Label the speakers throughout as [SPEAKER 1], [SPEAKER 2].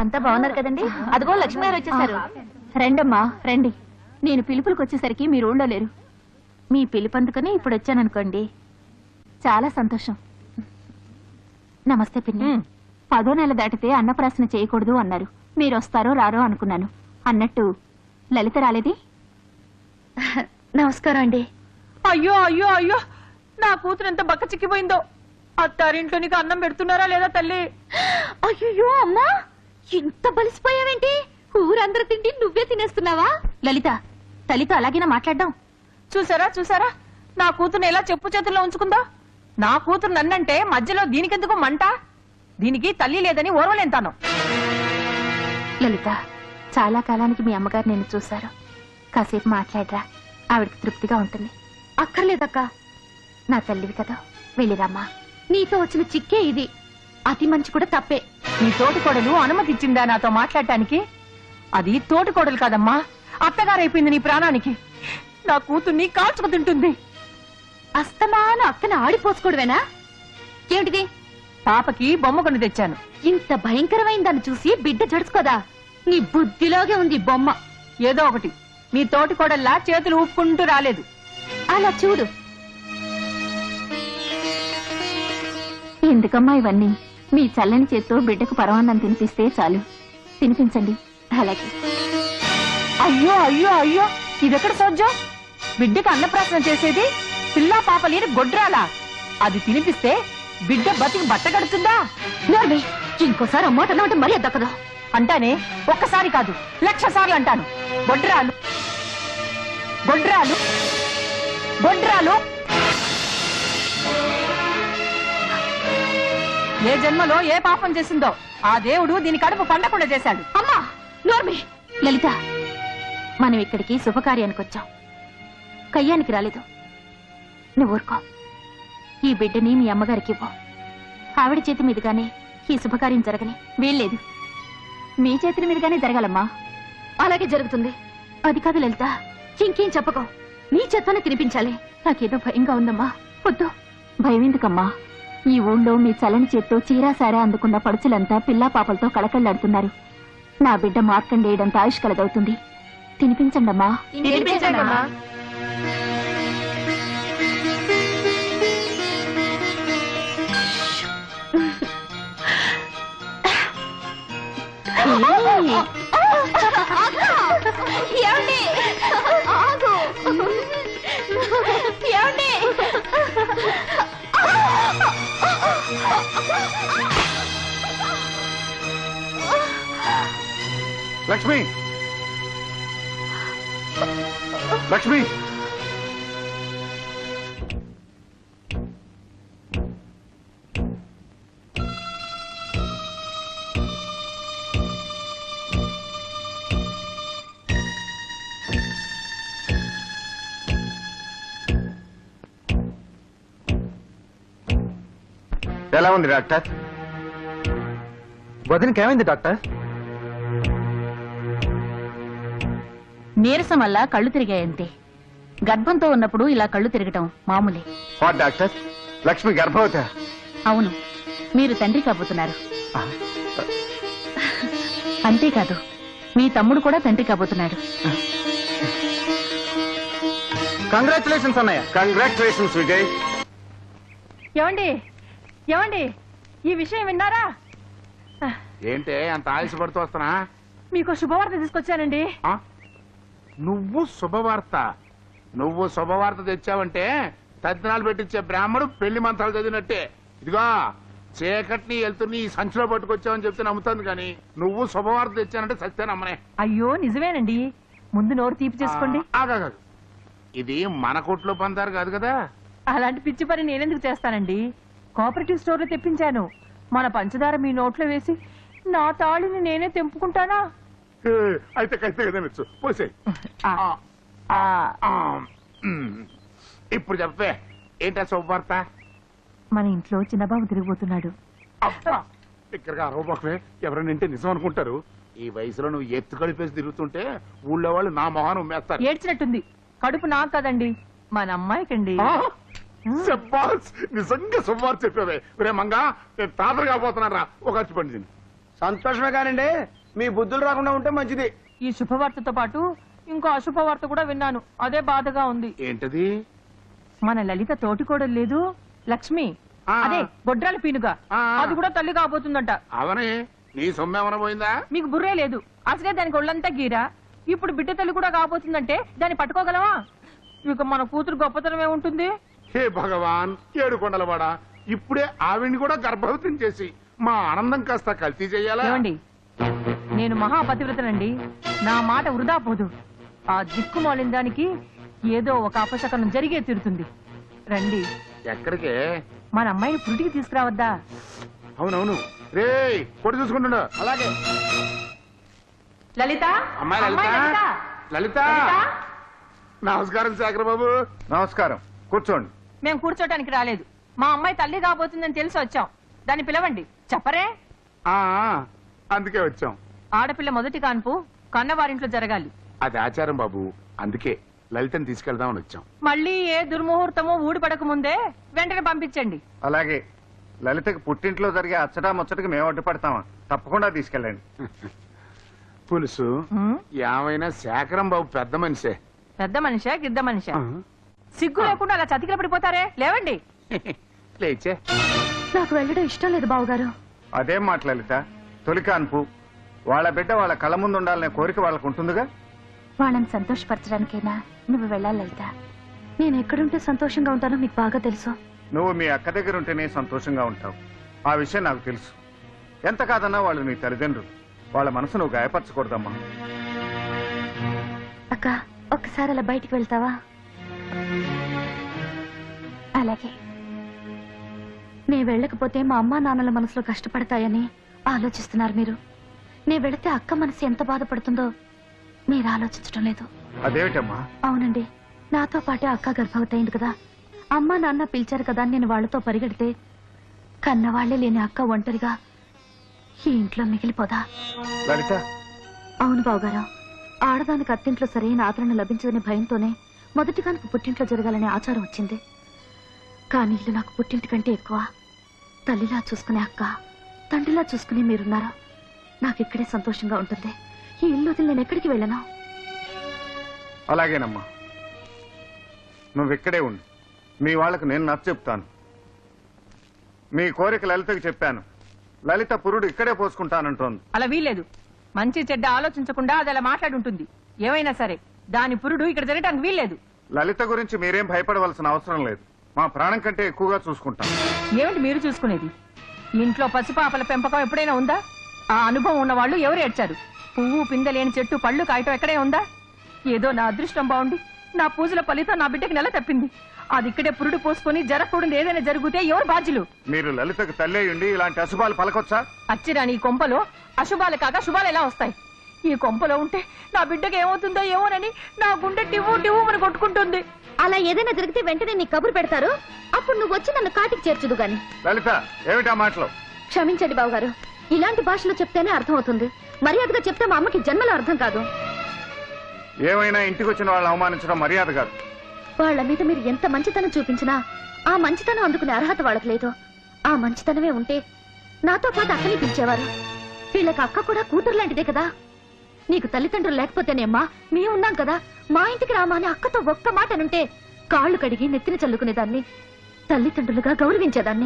[SPEAKER 1] అంతా బాగున్నారు కదండి? అదిగో లక్ష్మి గారు వచ్చేసారు. రండమ్మా రండి. నేను పిలుపులకు వచ్చేసరికి మీరు ఊళ్ళో లేరు. మీ పిలుపు అందుకని ఇప్పుడు వచ్చాననుకోండి. చాలా సంతోషం. నమస్తే పిన్ని. 10వ నెల దాటితే అన్నప్రాసన చేయకూడదు అన్నారు. మీరు వస్తారో రారో అనుకున్నాను. అన్నట్టు లలిత రాలేది? నమస్కారం అండి.
[SPEAKER 2] అయ్యో అయ్యో అయ్యో, నా కూతురు ఎంత బక్క చిక్కిపోయిందో. అత్తారింట్లో నీకు అన్నం పెడుతున్నారా లేదా తల్లి?
[SPEAKER 1] అయ్యో అమ్మా, ఇంత బలిసిపోయావేంటి? ఊరందరూ తిండి నువ్వే తినేస్తున్నావా? లలిత, తల్లితో అలాగేనా మాట్లాడడం?
[SPEAKER 2] చూసారా చూసారా, నా కూతురుని ఎలా చెప్పు చేతుల్లో ఉంచుకుందా. నా కూతురు నన్నంటే మధ్యలో దీనికెందుకు మంట? దీనికి తల్లి లేదని ఓర్వలేంతాను.
[SPEAKER 1] లలిత, చాలా కాలానికి మీ అమ్మగారు నిన్ను చూశారు. కాసేపు మాట్లాడరా, ఆవిడకి తృప్తిగా ఉంటుంది. అక్కర్లేదక్క, నా తల్లివి కదా, వెళ్ళిరామ్మా. నీతో వచ్చిన చిక్కే ఇది. అతి మంచి కూడా తప్పే.
[SPEAKER 2] నీ తోటి కోడలు అనుమతి ఇచ్చిందా నాతో మాట్లాడటానికి? అది తోటి కోడలు కాదమ్మా, అత్తగారైపోయింది నీ ప్రాణానికి. నా కూతుర్ని కాల్చుకు తింటుంది.
[SPEAKER 1] అస్తమాను అక్కన ఆడిపోసుకోవడమేనా? ఏమిటిది?
[SPEAKER 2] పాపకి బొమ్మ కొని తెచ్చాను.
[SPEAKER 1] ఇంత భయంకరమైన దాన్ని చూసి బిడ్డ జడుచుకోదా? నీ బుద్ధిలోగే ఉంది బొమ్మ.
[SPEAKER 2] ఏదో ఒకటి, మీ తోటి కోడల్లా చేతులు ఊపుకుంటూ రాలేదు.
[SPEAKER 1] అలా చూడు. ఎందుకమ్మా ఇవన్నీ? మీ చల్లని చేత్తో బిడ్డకు పరమాన్నం తినిపిస్తే చాలు. తినిపించండి. అలాగే.
[SPEAKER 2] అయ్యో అయ్యో అయ్యో, ఇదెక్కడ సోజ్జం? బిడ్డకు అన్నప్రాసన చేసేది పిల్లా పాప లేని గొడ్రాలా? అది తినిపిస్తే బిడ్డ బతికి బట్ట కడుతుందా?
[SPEAKER 1] ఇంకోసారి అమ్మాట అంటే మరీ దక్కదు.
[SPEAKER 2] అంటానే, ఒక్కసారి కాదు 1,00,000 సార్లు అంటాను. గొడ్రాలు గొడ్రాలు గొడ్రాలు. ఏ జన్మలో ఏ పాపం చేసిందో ఆ దేవుడు దీని కడుపు పండకుండా చేశాడు.
[SPEAKER 1] అమ్మా నోర్మి. లలిత, మనం ఇక్కడికి శుభకార్యానికి వచ్చాం, కయ్యానికి రాలేదు. నువ్వు ఊరుకో. ఈ బిడ్డని మీ అమ్మగారికి ఇవ్వు. ఆవిడ చేతి మీదుగానే ఈ శుభకార్యం జరగని వీల్లేదు. మీ చేతుల మీదుగానే జరగాలమ్మా. అలాగే జరుగుతుంది. అది కాదు లలిత, ఇంకేం చెప్పకో. నీ చేత్తోనే తినిపించాలి. నాకేదో భయంగా ఉందమ్మా. వద్దు. భయం ఎందుకమ్మా? ఈ ఊళ్ళో మీ చలని చేత్తో చీరాసారా అందుకున్న పడుచులంతా పిల్లా పాపలతో కళకళ్లాడుతున్నారు. నా బిడ్డ మార్కండేయడంత ఆయుష్ కలదవుతుంది. తినిపించండమ్మా.
[SPEAKER 3] లక్ష్మి, లక్ష్మి, ఎలా ఉంది డాక్టర్? వదినకి ఏమైంది డాక్టర్?
[SPEAKER 1] నీరసం వల్ల కళ్ళు తిరిగాయంతే. గర్భంతో ఉన్నప్పుడు ఇలా కళ్ళు తిరగటం మామూలే.
[SPEAKER 3] డాక్టర్, లక్ష్మి గర్భవతి?
[SPEAKER 1] అవును, మీరు తండ్రి కాబోతున్నారు. అంతేకాదు, మీ తమ్ముడు కూడా తండ్రి కాబోతున్నాడు.
[SPEAKER 3] కంగ్రాచులేషన్స్ అన్నయ్య. కంగ్రాచులేషన్స్ విజయ్.
[SPEAKER 2] ఏమండి ఏమండి, ఈ విషయం విన్నారా?
[SPEAKER 3] ఏంటే అంత ఆయుషపడుతూ వస్తున్నా?
[SPEAKER 2] మీకు శుభవార్త తీసుకొచ్చానండి.
[SPEAKER 3] నువ్వు శుభవార్త తెచ్చావంటే తద్దినాలు పెట్టించే బ్రాహ్మడు పెళ్లి మంత్రాలు చదివినట్టే. ఇదిగో చీకటిని వెళ్తున్న ఈ సంచిలో పట్టుకొచ్చావని చెప్తే నమ్ముతుంది, కానీ నువ్వు శుభవార్త తెచ్చానంటే సత్తే నమ్మనే.
[SPEAKER 2] అయ్యో నిజమేనండి, ముందు నోరు తీపి చేసుకోండి.
[SPEAKER 3] ఇది మన కొట్లో పందారు కాదు కదా.
[SPEAKER 2] అలాంటి పిచ్చి పని నేనెందుకు చేస్తానండి? కోఆపరేటివ్ స్టోర్ లో తెప్పించాను. మన పంచదార మీ నోట్లో వేసి నా తాళిని నేనే తెంపుకుంటానా?
[SPEAKER 3] అయితే కైతే కదా పోసే. ఇప్పుడు చెప్పే, ఏంటా శుభవార్త?
[SPEAKER 2] మన ఇంట్లో చిన్నబాబు తిరిగిపోతున్నాడు.
[SPEAKER 3] ఇక్కడికి అరవబాకమే, ఎవరైనా ఇంటే నిజం అనుకుంటారు. ఈ వయసులో నువ్వు ఎత్తు కలిపేసి తిరుగుతుంటే ఊళ్ళో వాళ్ళు నా మొహాన్ని ఉమ్మేస్తారు.
[SPEAKER 2] ఏడ్చినట్టుంది. కడుపు నాకు కదండి, మన అమ్మాయికండి.
[SPEAKER 3] నిజంగా శుభవార్త చెప్పావే. రే మంగా, నేను తాతలు కాబోతున్నారా ఒక అచ్చి పండి.
[SPEAKER 4] సంతోషమే కానండి, మీ బుద్ధులు రాకుండా ఉంటే మంచిది.
[SPEAKER 2] ఈ శుభవార్తతో పాటు ఇంకో అశుభవార్త కూడా విన్నాను. అదే బాధగా ఉంది.
[SPEAKER 3] ఏంటది?
[SPEAKER 2] మన లలిత తోటికోడలు లేదు లక్ష్మి,
[SPEAKER 3] ఆ.
[SPEAKER 2] అదే బొడ్రాల పీనుగా,
[SPEAKER 3] ఆ.
[SPEAKER 2] అది కూడా తల్లి కాబోతుందంట.
[SPEAKER 3] అవనే నీ సొమ్మేమన పోయిందా?
[SPEAKER 2] మీకు బుర్రే లేదు. అసలే దానికి ఒళ్ళంతా గీరా. ఇప్పుడు బిడ్డ తల్లి కూడా కాబోతుందంటే దాన్ని పట్టుకోగలవా? ఇక మన కూతురు గొప్పతనం ఏముంటుంది?
[SPEAKER 3] హే భగవాన్, ఏడు కొండలవాడ, ఇప్పుడే ఆవిడ్ని కూడా గర్భవతిని చేసి మా ఆనందం కాస్త కల్తీ చెయ్యాలా?
[SPEAKER 2] ఏమండి, నేను మహాపతివ్రతనండి. నా మాట వృధా పోదు. ఆ దిక్కుమాలిన దానికి ఏదో ఒక అపశకనం జరిగే తీరుతుంది. రండి,
[SPEAKER 3] ఎక్కడికే?
[SPEAKER 2] మన అమ్మాయిని పురిటికి తీసుకురావద్దా?
[SPEAKER 3] అవునవును. రే కొడు చూసుకుంటున్నా.
[SPEAKER 4] అలాగే.
[SPEAKER 2] లలిత,
[SPEAKER 3] అమ్మాయి
[SPEAKER 2] అమ్మాయి
[SPEAKER 3] లలిత,
[SPEAKER 2] లలిత.
[SPEAKER 3] లలిత.
[SPEAKER 2] లలిత?
[SPEAKER 3] నమస్కారం శేఖర్ బాబు.
[SPEAKER 5] నమస్కారం, కూర్చోండి.
[SPEAKER 2] మేము కూర్చోటానికి రాలేదు. మా అమ్మాయి తల్లి కాబోతుందని తెలిసి వచ్చాం. దాన్ని పిలవండి. చెప్పరే?
[SPEAKER 3] ఆ అందుకే వచ్చాం.
[SPEAKER 2] ఆడపిల్ల మొదటి కాన్పు కన్నవారింట్లో జరగాలి.
[SPEAKER 3] అది ఆచారం బాబు, అందుకే లలితని తీసుకెళ్దామని వచ్చాం.
[SPEAKER 2] మళ్ళీ ఏ దుర్ముహూర్తమో ఊడిపడక ముందే వెంటనే పంపించండి.
[SPEAKER 5] అలాగే. లలితకి పుట్టింట్లో జరిగే అచ్చటా ముచ్చటకి మేము అడ్డుపడతామా? తప్పకుండా తీసుకెళ్ళండి.
[SPEAKER 3] పులుసు
[SPEAKER 2] ఉమ్,
[SPEAKER 3] ఏమైనా శేఖరం బాబు పెద్ద మనిషే.
[SPEAKER 2] పెద్ద మనిషా గిద్ద మనిషా? సిగ్గు లేకుండా అలా చతికిల పడిపోతారే? లేవండి.
[SPEAKER 3] లేచే.
[SPEAKER 1] నాకు వెళ్ళడం ఇష్టం లేదు బావగారు.
[SPEAKER 5] అదేం మాట లలిత, తొలి కాన్పు, వాళ్ళ బిడ్డ వాళ్ళ కళ్ళ ముందు ఉండాలనే కోరిక వాళ్ళకు ఉంటుందిగా.
[SPEAKER 1] వాళ్ళని సంతోషపరచడానికైనా నువ్వు వెళ్ళాలి లలిత. నేను ఎక్కడుంటే సంతోషంగా ఉంటానో మీకు బాగా తెలుసు.
[SPEAKER 5] నువ్వు మీ అక్క దగ్గర ఉంటేనే సంతోషంగా ఉంటావు. ఆ విషయం నాకు తెలుసు. ఎంత కాదన్నా వాళ్ళు నీ తల్లిదండ్రులు. వాళ్ళ మనసు నువ్వు గాయపరచకూడదమ్మా.
[SPEAKER 1] అక్క, ఒక్కసారి అలా బయటికి వెళ్తావా? అలాగే. నే వెళ్ళకపోతే మా అమ్మా నాన్నల మనసులో కష్టపడతాయని ఆలోచిస్తున్నారు మీరు. నే వెళితే అక్క మనసు ఎంత బాధపడుతుందో మీరు ఆలోచించడం లేదు.
[SPEAKER 5] అదేమిటమ్మా?
[SPEAKER 1] అవునండి, నాతో పాటే అక్క గర్భవతి అయింది కదా. అమ్మా నాన్న పిలిచారు కదా అని నేను వాళ్లతో పరిగెడితే కన్నవాళ్లే లేని అక్క ఒంటరిగా ఈ ఇంట్లో మిగిలిపోదా?
[SPEAKER 5] లలిత,
[SPEAKER 1] అవును బావగారు. ఆడదానికి అత్తింట్లో సరైన ఆదరణ లభించదనే భయంతోనే మొదటి కానుక పుట్టింట్లో జరగాలనే ఆచారం వచ్చింది. కానీ ఇల్లు నాకు పుట్టింటి కంటే ఎక్కువ. తల్లిలా చూసుకునే అక్క, తండ్రిలా చూసుకునే మీరున్నారు. నాకు ఇక్కడే సంతోషంగా ఉంటుంది. ఈ ఇల్లు వదిలి నేను ఎక్కడికి వెళ్ళను.
[SPEAKER 5] అలాగేనమ్మా. నువ్వు ఇక్కడే ఉండు. మీ వాళ్లకు నేను నచ్చ చెప్తాను. మీ కోరిక లలితకి చెప్పాను. లలిత పురుడు ఇక్కడే పోసుకుంటానంటోంది.
[SPEAKER 2] అలా వీల్లేదు. మంచి చెడ్డ ఆలోచించకుండా అది అలా మాట్లాడుంటుంది. ఏమైనా సరే దాని పురుడు ఇక్కడ జరగటానికి వీల్లేదు.
[SPEAKER 5] లలిత గురించి మీరేం భయపడవలసిన అవసరం లేదు. మా ప్రాణం కంటే ఎక్కువగా చూసుకుంటాం.
[SPEAKER 2] ఏమిటి మీరు చూసుకునేది? ఇంట్లో పసిపాపల పెంపకం ఎప్పుడైనా ఉందా? ఆ అనుభవం ఉన్న వాళ్ళు ఎవరు ఏడ్చారు? పువ్వు పిందలేని చెట్టు పళ్ళు కాయటం ఎక్కడే ఉందా? ఏదో నా అదృష్టం బాగుండి నా పూజల ఫలితం నా బిడ్డకి నెల తప్పింది. అది ఇక్కడే పురుడు పోసుకొని జరగకూడదు ఏదైనా జరిగితే ఎవరు బాధ్యులు?
[SPEAKER 5] మీరు లలితకు తల్లే ఉండి ఇలాంటి అశుభాలు పలకొచ్చా?
[SPEAKER 2] అచ్చిరాని ఈ కొంపలో అశుభాలు కాక శుభాలు ఎలా వస్తాయి? ఈ కొంపలో ఉంటే నా బిడ్డకి ఏమవుతుందో ఏమోనని నా గుండె టివ్వు టివ్వు అని కొట్టుకుంటుంది.
[SPEAKER 1] అలా ఏదైనా జరిగితే వెంటనే నీ కబురు పెడతారు. అప్పుడు నువ్వు వచ్చి నన్ను కాటికి చేర్చుదు గాని.
[SPEAKER 5] లలిత, ఏమిటా మాటలు?
[SPEAKER 1] క్షమించండి బావగారు, ఇలాంటి భాషలో చెప్తేనే అర్థం అవుతుంది. మర్యాదగా చెప్తే మా అమ్మకి జన్మలో అర్థం కాదు.
[SPEAKER 5] ఏమైనా ఇంటికి వచ్చిన వాళ్ళు అవమానించడం మర్యాద కాదు.
[SPEAKER 1] వాళ్ళ మీద మీరు ఎంత మంచితనం చూపించినా ఆ మంచితనం అందుకునే అర్హత వాళ్ళకి లేదు. ఆ మంచితనమే ఉంటే నాతో పాటు అక్కని పిలిచేవారు. వీళ్ళకి అక్క కూడా కూతురు లాంటిదే కదా. నీకు తల్లిదండ్రులు లేకపోతేనేమ్మా మేము ఉన్నాం కదా. మా ఇంటికి రామా అని అక్కతో ఒక్క మాట అనుంటే కాళ్ళు కడిగి నెత్తిన చల్లుకునేదాన్ని, తల్లిదండ్రులుగా గౌరవించేదాన్ని.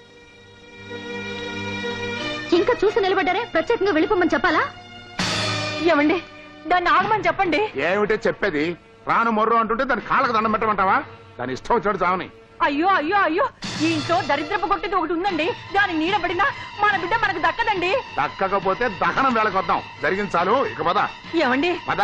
[SPEAKER 1] ఇంకా చూసి నిలబడ్డారే, ప్రత్యేకంగా వెళ్ళిపోమని చెప్పాలా?
[SPEAKER 2] ఏమండి, దాన్ని ఆగమని చెప్పండి.
[SPEAKER 3] ఏమిటే చెప్పేది? రాను మొర్రు అంటుంటే దాని కాళ్ళకు దండం పెట్టమంటావా? దాని ఇష్టం వచ్చాడు చావని.
[SPEAKER 2] అయ్యో అయ్యో అయ్యో, ఈ ఇంట్లో దరిద్రపు కొట్టేది ఒకటి ఉందండి. దాని నీడబడినా మన బిడ్డ మనకు దక్కదండి.
[SPEAKER 3] దక్కకపోతే దహనం వేళకు వద్దాం. జరిగింది చాలు, ఇక పద.
[SPEAKER 2] ఏమండి,
[SPEAKER 3] పద.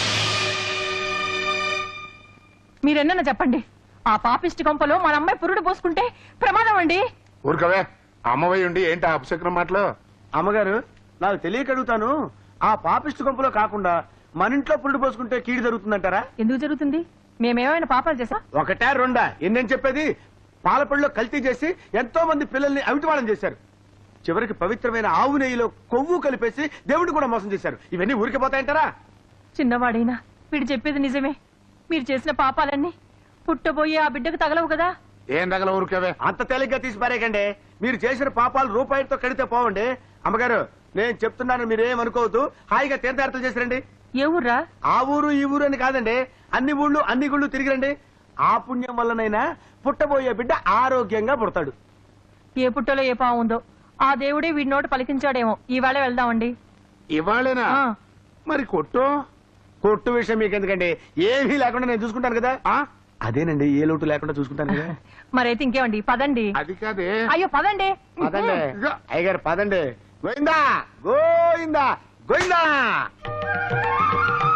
[SPEAKER 2] మీరెన్న చెప్పండి. ఆ పాపిష్టి కొంపలో మన అమ్మాయి పురుడు పోసుకుంటే ప్రమాదం అండి.
[SPEAKER 3] ఊరుకవే, అమ్మవై ఉండి ఏంటి అపశకునం మాటలు?
[SPEAKER 4] అమ్మగారు, నాకు తెలియక అడుగుతాను. ఆ పాపిష్టి గుంపులో కాకుండా మన ఇంట్లో పురుడు పోసుకుంటే కీడు జరుగుతుందంటారా?
[SPEAKER 2] ఎందుకు జరుగుతుంది? మేమేమైనా పాపాలు చేసా?
[SPEAKER 4] ఒకటా రెండా? ఎన్నేం చెప్పేది? పాలపళ్ళలో కల్తీ చేసి ఎంతో మంది పిల్లల్ని అవిటివాళం చేశారు. చివరికి పవిత్రమైన ఆవు నెయ్యిలో కొవ్వు కలిపేసి దేవుడిని కూడా మోసం చేశారు. ఇవన్నీ ఊరికి పోతాయంటారా?
[SPEAKER 2] చిన్నవాడైనా వీడు చెప్పేది నిజమే. మీరు చేసిన పాపాలన్నీ పుట్టబోయే ఆ బిడ్డకు తగలవు కదా.
[SPEAKER 3] ఏం తగల ఊరుకవే.
[SPEAKER 4] అంత తేలిగ్గా తీసి పారేయకండి. మీరు చేసిన పాపాలు రూపాయితో కడితే పోవండి. అమ్మగారు, నేను చెప్తున్నాను, మీరేమనుకోవద్దు. హాయిగా తీర్థయాత్రలు చేసిరండి.
[SPEAKER 2] ఏ ఊర్రా?
[SPEAKER 4] ఆ ఊరు ఈ ఊరు అని కాదండి, అన్ని ఊళ్ళు అన్ని గుళ్ళు తిరిగిరండి. ఆ పుణ్యం వల్లనైనా పుట్టబోయే బిడ్డ ఆరోగ్యంగా పుడతాడు.
[SPEAKER 2] ఏ పుట్టలో ఏ పావు ఉందో ఆ దేవుడే వీడి నోటి పలికించాడేమో. ఈవేళ వెళ్దామండి.
[SPEAKER 3] ఇవాళేనా?
[SPEAKER 2] ఆ.
[SPEAKER 3] మరి కొట్టు.
[SPEAKER 4] కొట్టు విషయం మీకు ఎందుకండి, ఏమీ లేకుండా నేను చూసుకుంటాను కదా.
[SPEAKER 3] ఆ?
[SPEAKER 4] అదేనండి, ఏ లోటు లేకుండా చూసుకుంటాను కదా.
[SPEAKER 2] మరైతే ఇంకేమండి, పదండి.
[SPEAKER 3] అది కాదే.
[SPEAKER 2] అయ్యో పదండి.
[SPEAKER 4] పదండి
[SPEAKER 3] ఇదిగో.
[SPEAKER 4] అయ్యగారు, పదండి. గోయిందా గోయిందా గోయిందా.